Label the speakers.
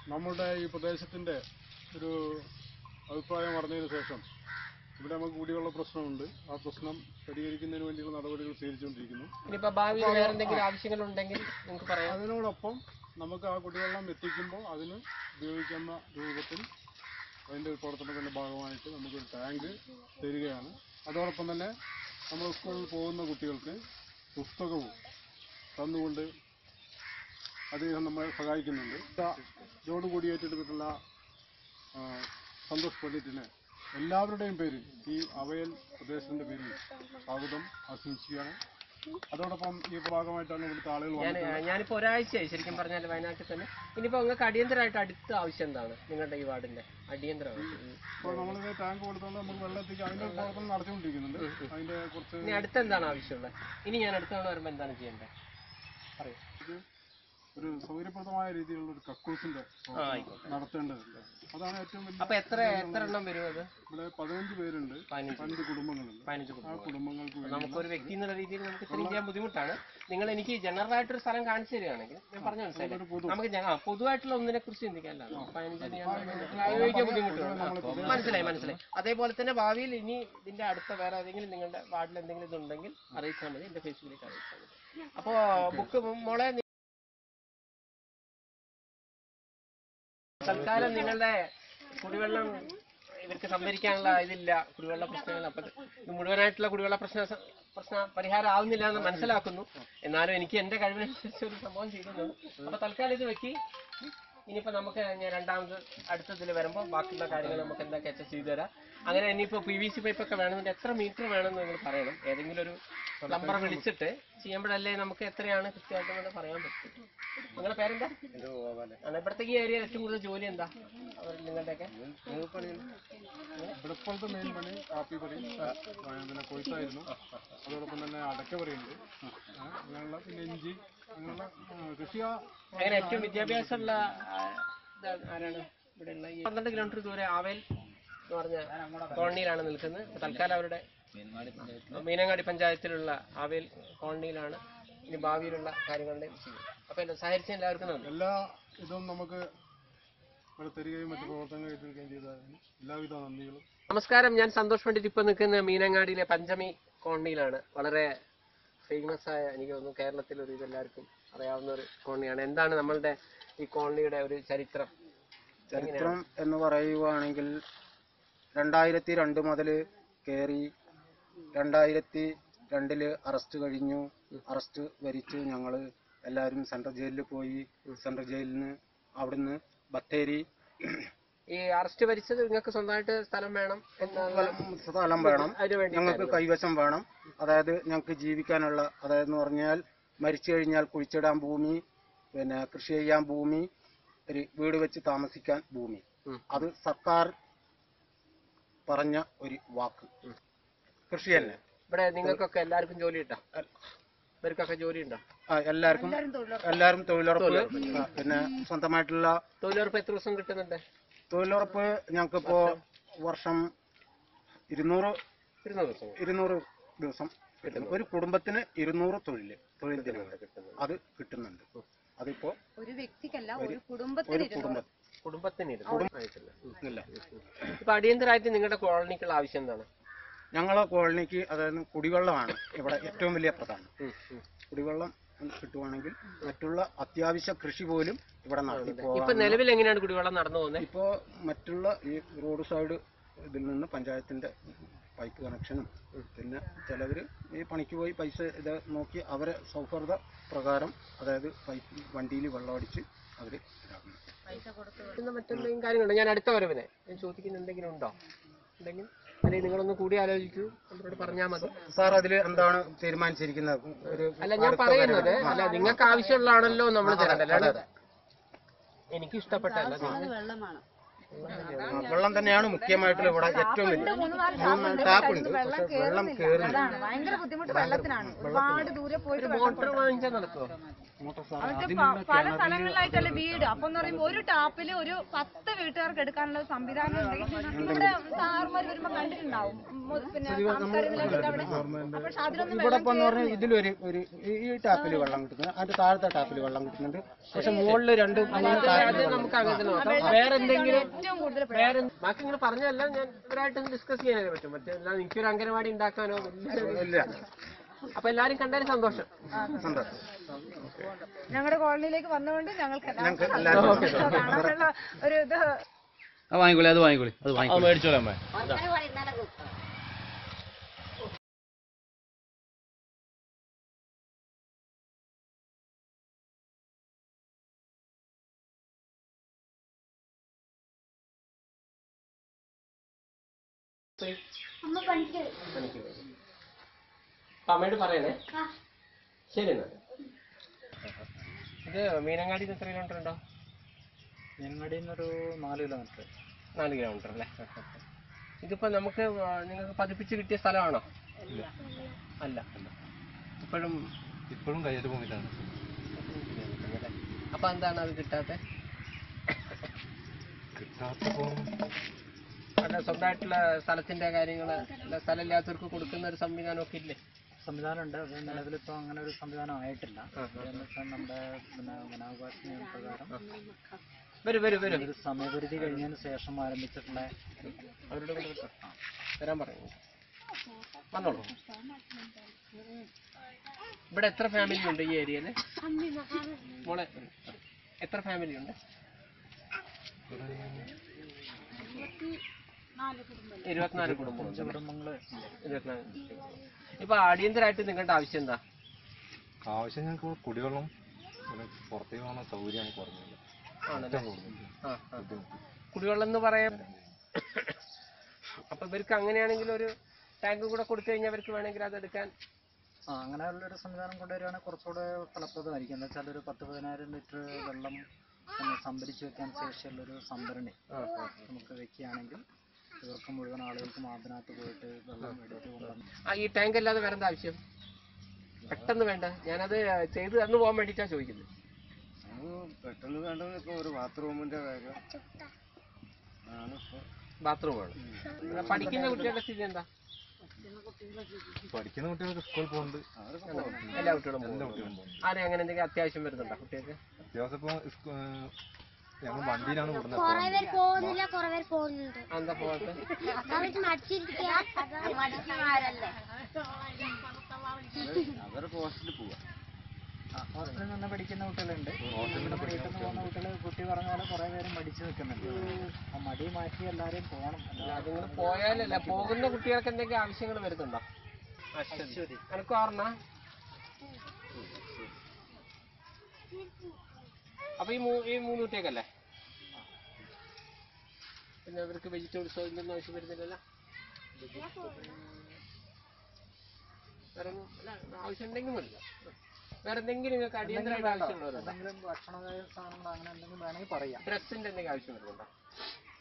Speaker 1: നമ്മുടെ ഈ പ്രദേശത്തിൻ്റെ ഒരു അഭിപ്രായം അറിഞ്ഞതിന് ശേഷം ഇവിടെ നമുക്ക് കുടിവെള്ള പ്രശ്നമുണ്ട്. ആ പ്രശ്നം പരിഹരിക്കുന്നതിന് വേണ്ടിയുള്ള നടപടികൾ സ്വീകരിച്ചുകൊണ്ടിരിക്കുന്നു. അതിനോടൊപ്പം നമുക്ക് ആ കുടിവെള്ളം എത്തിക്കുമ്പോൾ അതിന് ഉപയോഗിക്കുന്ന രൂപത്തിൽ അതിൻ്റെ പ്രവർത്തനത്തിൻ്റെ ഭാഗമായിട്ട് നമുക്കൊരു ടാങ്ക് തരികയാണ്. അതോടൊപ്പം തന്നെ നമ്മൾ സ്കൂളിൽ പോകുന്ന കുട്ടികൾക്ക് പുസ്തകവും തന്നുകൊണ്ട് അദ്ദേഹം നമ്മളെ സഹായിക്കുന്നുണ്ട്. ഇതോടുകൂടി ഏറ്റെടുത്തിട്ടുള്ള സന്തോഷ് പണ്ഡിറ്റിന് എല്ലാവരുടെയും പേരിൽ ഈ അവയൽ പ്രദേശത്തിൻ്റെ പേരിൽ സ്വാഗതം ആശംസിക്കുകയാണ്. അതോടൊപ്പം ഈ ഭാഗമായിട്ടാണ് ഇവിടുത്തെ ആളുകൾ
Speaker 2: ഞാനിപ്പോൾ ഒരാഴ്ചയായി ശരിക്കും പറഞ്ഞാൽ വയനാട്ടിൽ തന്നെ. ഇനിയിപ്പോൾ നിങ്ങൾക്ക് അടിയന്തരമായിട്ട് അടുത്ത ആവശ്യം എന്താണ് നിങ്ങളുടെ ഈ വാർഡിൻ്റെ അടിയന്തര ആവശ്യം?
Speaker 1: ഇപ്പോൾ നമ്മളിത് ടാങ്ക് കൊടുത്തുകൊണ്ട് നമുക്ക് വെള്ളം എത്തിക്കാൻ അതിൻ്റെ പ്രവർത്തനം നടത്തിക്കൊണ്ടിരിക്കുന്നുണ്ട്. അതിൻ്റെ കുറച്ച്
Speaker 2: ഇനി അടുത്ത എന്താണ് ആവശ്യമുള്ളത്? ഇനി ഞാൻ അടുത്ത തവണ വരുമ്പോൾ എന്താണ് ചെയ്യേണ്ടത് പറയൂ.
Speaker 1: ഒരു സൗകര്യപ്രദമായ രീതിയിലുള്ള ഒരു കക്കൂസിന്റെ നടത്തേണ്ടതുണ്ട്. അതാണ് ഏറ്റവും വലിയ.
Speaker 2: അപ്പൊ എത്ര എണ്ണം വരും അത്?
Speaker 1: ഇവിടെ 15 പേരുണ്ട്, 15 കുടുംബങ്ങളുണ്ട്. ആ കുടുംബങ്ങൾക്ക്
Speaker 2: നമുക്കൊരു വ്യക്തി എന്നുള്ള രീതിയിൽ നമുക്ക് ഇത്രയും ചെയ്യാൻ ബുദ്ധിമുട്ടാണ്. നിങ്ങൾ എനിക്ക് ജനറൽ ആയിട്ടൊരു സ്ഥലം കാണിച്ചു തരികയാണെങ്കിൽ ഞാൻ പറഞ്ഞു മനസ്സിലായി. നമുക്ക് പൊതുവായിട്ടുള്ള ഒന്നിനെ കുറിച്ച് ചിന്തിക്കാനല്ല, 15 ഉപയോഗിക്കാൻ ബുദ്ധിമുട്ടാണ്. മനസ്സിലായി. അതേപോലെ തന്നെ ഭാവിയിൽ ഇനി ഇതിന്റെ അടുത്ത വേറെ ഏതെങ്കിലും നിങ്ങളുടെ വാർഡിൽ എന്തെങ്കിലും ഇതുണ്ടെങ്കിൽ അറിയിച്ചാൽ മതി, എന്റെ ഫേസ്ബുക്കിലേക്ക് അറിയിച്ചാൽ മതി. അപ്പോ ബുക്ക് മോളെ തൽക്കാലം നിങ്ങളുടെ കുടിവെള്ളം ഇവർക്ക് സംഭരിക്കാനുള്ള ഇതില്ല, കുടിവെള്ള പ്രശ്നങ്ങൾ. അപ്പൊ ഇത് മുഴുവനായിട്ടുള്ള കുടിവെള്ള പ്രശ്ന പരിഹാരം ആവുന്നില്ല എന്ന് മനസ്സിലാക്കുന്നു. എന്നാലും എനിക്ക് എന്റെ കഴിവിനനുസരിച്ച് ഒരു സംഭവം ചെയ്യുന്നു. അപ്പൊ തൽക്കാലം ഇത് വെക്കി. ഇനിയിപ്പോ നമുക്ക് ഞാൻ രണ്ടാമത് അടുത്തതിൽ വരുമ്പോൾ ബാക്കിയുള്ള കാര്യങ്ങൾ നമുക്ക് എന്തൊക്കെ ചെയ്തു തരാം. അങ്ങനെ ഇനിയിപ്പോ PVC പൈപ്പൊക്കെ വേണമെങ്കിൽ എത്ര മീറ്റർ വേണമെന്ന് നിങ്ങൾ പറയണം. ഏതെങ്കിലും ഒരു പ്ലംബറെ വിളിച്ചിട്ട് ചെയ്യുമ്പോഴല്ലേ നമുക്ക് എത്രയാണ് കൃത്യമായിട്ട് പറയാൻ പറ്റും. നിങ്ങളുടെ പേരെന്താ? ഇവിടത്തേക്ക് ഈ ഏരിയയിൽ ഏറ്റവും കൂടുതൽ ജോലി എന്താ നിങ്ങളുടെയൊക്കെ?
Speaker 1: ഇവിടുത്തെ മെയിൻ പണി കാപ്പിപ്പറി, പിന്നെ കൊയ്ത്തായിരുന്നു. അതോടൊപ്പം തന്നെ അടക്കപ്പറിയുണ്ട്, അങ്ങനെയുള്ള പിന്നെ ഇഞ്ചി, അങ്ങനെയുള്ള കൃഷി.
Speaker 2: അങ്ങനെ ഏറ്റവും വിദ്യാഭ്യാസമുള്ള ആരാണ് ഇവിടെ ഉള്ള? 12 കിലോമീറ്റർ ദൂരെ ആവേൽ എന്ന് പറഞ്ഞ കോളനിയിലാണ് നിൽക്കുന്നത്. തൽക്കാലം അവരുടെ മീനങ്ങാടി പഞ്ചായത്തിലുള്ള ആവേൽ കോളനിയിലാണ് ഇനി ഭാവിയിലുള്ള കാര്യങ്ങളുടെ ചെയ്യും. അപ്പൊ സഹകരിച്ച എല്ലാവർക്കും നന്ദി.
Speaker 1: എല്ലാ ഇതും നമുക്ക് തരികയും മറ്റു പ്രവർത്തനങ്ങൾ ഏറ്റെടുക്കുകയും ചെയ്തതിന് എല്ലാവിധ നന്ദികളും.
Speaker 2: നമസ്കാരം, ഞാൻ സന്തോഷ് പണ്ഡിറ്റ്. ഇപ്പൊ നിൽക്കുന്ന മീനങ്ങാടിയിലെ പഞ്ചമി കോളനിയിലാണ്. വളരെ ഫേമസ് ആയ, എനിക്ക് തോന്നുന്നു കേരളത്തിൽ ഒരു ഇതെല്ലാവർക്കും അറിയാവുന്ന ഒരു കോളനിയാണ്. എന്താണ് നമ്മളുടെ ഈ കോളനിയുടെ ഒരു ചരിത്രം
Speaker 3: എന്ന് പറയുവാണെങ്കിൽ 2002 മുതൽ കയറി 2002 അറസ്റ്റ് കഴിഞ്ഞു. അറസ്റ്റ് വരിച്ചു ഞങ്ങൾ എല്ലാവരും സെൻട്രൽ ജയിലിൽ പോയി. സെൻട്രൽ ജയിലിൽ നിന്ന് അവിടുന്ന് ബത്തേരി.
Speaker 2: ഈ അറസ്റ്റ് വരിച്ചത് നിങ്ങൾക്ക് സ്വന്തമായിട്ട് സ്ഥലം വേണം,
Speaker 3: സ്ഥലം വേണം, ഞങ്ങൾക്ക് കൈവശം വേണം. അതായത് ഞങ്ങൾക്ക് ജീവിക്കാനുള്ള, അതായത് എന്ന് പറഞ്ഞാൽ മരിച്ചു കഴിഞ്ഞാൽ കുഴിച്ചിടാൻ ഭൂമി, പിന്നെ കൃഷി ചെയ്യാൻ ഭൂമി, ഒരു വീട് വെച്ച് താമസിക്കാൻ ഭൂമി. അത് സർക്കാർ പറഞ്ഞ ഒരു വാക്ക്. കൃഷി തന്നെ.
Speaker 2: ഇവിടെ നിങ്ങൾക്കൊക്കെ എല്ലാവർക്കും ജോലി ഉണ്ടോ? ഇവർക്കൊക്കെ ജോലി ഉണ്ടോ?
Speaker 3: എല്ലാവരും തൊഴിലുറപ്പ്, പിന്നെ സ്വന്തമായിട്ടുള്ള
Speaker 2: തൊഴിലുറപ്പ്. എത്ര ദിവസം കിട്ടുന്നുണ്ട്
Speaker 3: തൊഴിലുറപ്പ്? ഞങ്ങൾക്കിപ്പോ വർഷം 200 ദിവസം കിട്ടുന്നു. ഒരു കുടുംബത്തിന് 200 തൊഴിൽ ദിനങ്ങൾ അത് കിട്ടുന്നുണ്ട്. അതിപ്പോ
Speaker 4: ഒരു വ്യക്തിക്കല്ല, ഒരു കുടുംബത്തിന്.
Speaker 2: ഇപ്പൊ അടിയന്തരമായിട്ട് നിങ്ങളുടെ കോളനിക്കുള്ള ആവശ്യം എന്താണ്?
Speaker 3: ഞങ്ങളെ കോളനിക്ക് അതായത് കുടിവെള്ളമാണ് ഇവിടെ ഏറ്റവും വലിയ പ്രധാനം. കുടിവെള്ളം കിട്ടുവാണെങ്കിൽ മറ്റുള്ള അത്യാവശ്യ കൃഷി പോലും ഇവിടെ നടത്തി പോകാം.
Speaker 2: ഇപ്പൊ നിലവിൽ എങ്ങനെയാണ് കുടിവെള്ളം നടന്നു പോകുന്നത്?
Speaker 3: ഇപ്പോ മറ്റുള്ള ഈ റോഡ് സൈഡ് ഇതിൽ നിന്ന് പഞ്ചായത്തിന്റെ പൈപ്പ് കണക്ഷനും, പിന്നെ ചിലവര് ഈ പണിക്ക് പോയി പൈസ ഇത് നോക്കി അവരെ സൗഹൃദ പ്രകാരം, അതായത് പൈപ്പ് വണ്ടിയിൽ വെള്ളമടിച്ച് അവര്
Speaker 2: മറ്റെന്തെങ്കിലും കാര്യങ്ങളുണ്ടോ? ഞാൻ അടുത്ത വരവിനെ ഞാൻ ചോദിക്കുന്ന എന്തെങ്കിലും ഉണ്ടോ? ഉണ്ടെങ്കിൽ അല്ലെങ്കിൽ നിങ്ങളൊന്ന് കൂടി ആലോചിക്കൂ, നമ്മളോട് പറഞ്ഞാൽ മതി.
Speaker 3: സാർ അതില് എന്താണ് തീരുമാനിച്ചിരിക്കുന്നത്?
Speaker 2: അല്ല, ഞാൻ പറയുന്നത് അല്ല, നിങ്ങൾക്ക് ആവശ്യമുള്ളതാണല്ലോ നമ്മൾ തരേണ്ടത്. എനിക്ക് ഇഷ്ടപ്പെട്ടല്ല.
Speaker 3: വെള്ളം തന്നെയാണ് മുഖ്യമായിട്ടുള്ള ഇവിടെ ഏറ്റവും വലിയ. 3 ടാപ്പുണ്ട്, പക്ഷെ വെള്ളം കയറുന്നു.
Speaker 4: ഭയങ്കര ബുദ്ധിമുട്ട് വെള്ളത്തിനാണ്. ഒരുപാട് ദൂരെ പോയിട്ട്
Speaker 2: മോട്ടോർ വാങ്ങിച്ചാൽ നടക്കുമോ?
Speaker 4: അവർക്ക് പല സ്ഥലങ്ങളിലായിട്ടല്ലേ വീട്. അപ്പൊ എന്ന് പറയുമ്പോൾ ഒരു ടാപ്പില് ഒരു 10 വീട്ടുകാർക്ക് എടുക്കാനുള്ള സംവിധാനം ഉണ്ടെങ്കിൽ ഇവിടെ സാറുമാർ വരുമ്പോ കണ്ടിട്ടുണ്ടാവും. പിന്നെ പക്ഷെ അതിലൊന്നും
Speaker 3: ഇവിടെ ഇപ്പൊ എന്ന് പറഞ്ഞാൽ ഇതിലൊരു ഈ ടാപ്പിൽ വെള്ളം കിട്ടുന്നത്, അതിന്റെ താഴത്തെ ടാപ്പിൽ വെള്ളം കിട്ടുന്നുണ്ട്. പക്ഷെ മുകളിൽ രണ്ട്
Speaker 2: നമുക്ക് അങ്ങനെ നോക്കാം. വേറെ എന്തെങ്കിലും
Speaker 4: ഏറ്റവും കൂടുതൽ
Speaker 2: ബാക്കി നിങ്ങൾ പറഞ്ഞല്ല, ഞാൻ ഇവരായിട്ടൊന്ന് ഡിസ്കസ് ചെയ്യാനൊക്കെ പറ്റും. മറ്റേ എനിക്കൊരു അംഗനവാടി ഉണ്ടാക്കാനോ
Speaker 3: ഇല്ല.
Speaker 2: അപ്പൊ എല്ലാരും കണ്ടാലും സന്തോഷം.
Speaker 4: ഞങ്ങളുടെ കോളനിയിലേക്ക് വന്നുകൊണ്ട് ഞങ്ങൾക്ക് ഒരു ഇത്
Speaker 5: വാങ്ങിക്കോളി, അത് വാങ്ങിക്കോളി, അത് വാങ്ങിക്കോളി, മേടിച്ചോളാം അമ്മ.
Speaker 2: അമ്മയോട് പറയണേ. ശരി എന്നാ. ഇത് മീനങ്ങാടി എത്ര കിലോമീറ്റർ ഉണ്ടോ?
Speaker 3: മീനങ്ങാടിയിൽ നിന്നൊരു 4 കിലോമീറ്റർ.
Speaker 2: 4 കിലോമീറ്റർ അല്ലേ? ഇതിപ്പോ നമുക്ക് നിങ്ങൾക്ക് പതിപ്പിച്ച് കിട്ടിയ സ്ഥലമാണോ? അല്ല, ഇപ്പോഴും
Speaker 5: കയ്യേറ്റ ഭൂമിയിലാണ്.
Speaker 2: അപ്പൊ എന്താണ് അത് കിട്ടാത്ത? അല്ല, സ്വന്തമായിട്ടുള്ള സ്ഥലത്തിന്റെ കാര്യങ്ങള് സ്ഥലമില്ലാത്തവർക്ക് കൊടുക്കുന്ന ഒരു സംവിധാനമൊക്കെ ഇല്ലേ?
Speaker 3: സംവിധാനം ഉണ്ട്. അത് നിലവിലിപ്പോൾ അങ്ങനെ ഒരു സംവിധാനം ആയിട്ടില്ല. നമ്മുടെ വനാവകാശ നിയമപ്രകാരം ഒരു സമയപരിധി കഴിഞ്ഞതിന് ശേഷം ആരംഭിച്ചിട്ടുള്ള
Speaker 2: അവരുടെ വരാൻ പറയൂ. വന്നോളൂ. ഇവിടെ എത്ര ഫാമിലി ഉണ്ട് ഈ ഏരിയയില്? മോളെ, എത്ര ഫാമിലി ഉണ്ട്? 24 കുടുംബങ്ങളുണ്ട്. 24. ഇപ്പൊ അടിയന്തരമായിട്ട് നിങ്ങളുടെ ആവശ്യം എന്താ?
Speaker 5: ആവശ്യം ഞങ്ങൾക്ക് കുടിവെള്ളം, പുറത്തേക്ക് പോകുന്ന സൗകര്യമാണ് കുറഞ്ഞത്.
Speaker 2: കുടിവെള്ളം എന്ന് പറയാൻ അപ്പൊ ഇവർക്ക് അങ്ങനെയാണെങ്കിൽ ഒരു ടാങ്ക് കൂടെ കൊടുത്തു കഴിഞ്ഞാൽ അവർക്ക് വേണമെങ്കിൽ അത് എടുക്കാൻ
Speaker 3: അങ്ങനെയുള്ളൊരു സംവിധാനം കൊണ്ടുവരികയാണെങ്കിൽ കുറച്ചുകൂടെ ഫലപ്രദമായിരിക്കും. എന്താ വെച്ചാൽ ഒരു 10-15 ലിറ്റർ വെള്ളം സംഭരിച്ചു വെക്കാൻ ശേഷിയുള്ളൊരു സംഭരണി നമുക്ക് വെക്കുകയാണെങ്കിൽ ഇവർക്ക് മുഴുവൻ ആളുകൾക്കും അതിനകത്ത് പോയിട്ട് വെള്ളം എടുത്ത് കൊണ്ടുവന്ന്.
Speaker 2: ഈ ടാങ്ക് അല്ലാതെ വേറെ എന്താ ആവശ്യം? പെട്ടെന്ന് വേണ്ട, ഞാനത് ചെയ്ത് തന്നു പോകാൻ വേണ്ടിയിട്ടാണ് ചോദിക്കുന്നത്.
Speaker 1: പെട്ടെന്ന് വേണ്ടത് ഇപ്പൊ ഒരു ബാത്റൂമിന്റെ കാര്യം.
Speaker 2: ബാത്റൂം വേണം. പഠിക്കുന്ന കുട്ടികളുടെ സ്ഥിതി എന്താ?
Speaker 5: പഠിക്കുന്ന കുട്ടികൾക്ക് സ്കൂളിൽ പോകുന്നുണ്ട്.
Speaker 2: എല്ലാ കുട്ടികളും ആരെ അങ്ങനെ എന്തെങ്കിലും അത്യാവശ്യം വരുന്നുണ്ടോ കുട്ടികൾക്ക്?
Speaker 5: അത്യാവശ്യം ഇപ്പൊ ഞങ്ങൾ വണ്ടിയിലാണ്
Speaker 2: എന്താ പോകാത്ത?
Speaker 1: അവര് ഹോസ്റ്റലിൽ പോവാ.
Speaker 3: ഹോസ്റ്റലിൽ നിന്ന് പഠിക്കുന്ന കുട്ടികളുണ്ട്. വീട്ടിൽ നിന്ന് പോകുന്ന കുട്ടികൾ കുട്ടി പറഞ്ഞ പോലെ കുറെ പേര് മടിച്ചു നിൽക്കുന്നുണ്ട്. ആ മടി മാറ്റി എല്ലാവരും പോകണം.
Speaker 2: നിങ്ങൾ പോയാലല്ല, പോകുന്ന കുട്ടികൾക്ക് എന്തെങ്കിലും ആവശ്യങ്ങൾ വരുന്നുണ്ടോ? എനിക്ക് ഓർമ്മ. അപ്പൊ ഈ 3 കുട്ടിയൊക്കെയല്ലേ? പിന്നെ അവർക്ക് വെജിറ്റബിൾസോ ഇതൊന്നും ആവശ്യം വരുന്നില്ലല്ലോ? വേറെ ആവശ്യം ഉണ്ടെങ്കിൽ മതില്ല. വേറെ എന്തെങ്കിലും നിങ്ങൾക്ക് അടിയന്തരമായിട്ട് ആവശ്യമുള്ളവരുണ്ടോ?
Speaker 3: ഭക്ഷണ സാധനങ്ങൾ അങ്ങനെ എന്തെങ്കിലും വേണമെങ്കിൽ പറയാം.
Speaker 2: ഡ്രസ്സിന്റെ എന്തെങ്കിലും ആവശ്യം വരുന്നുണ്ടോ?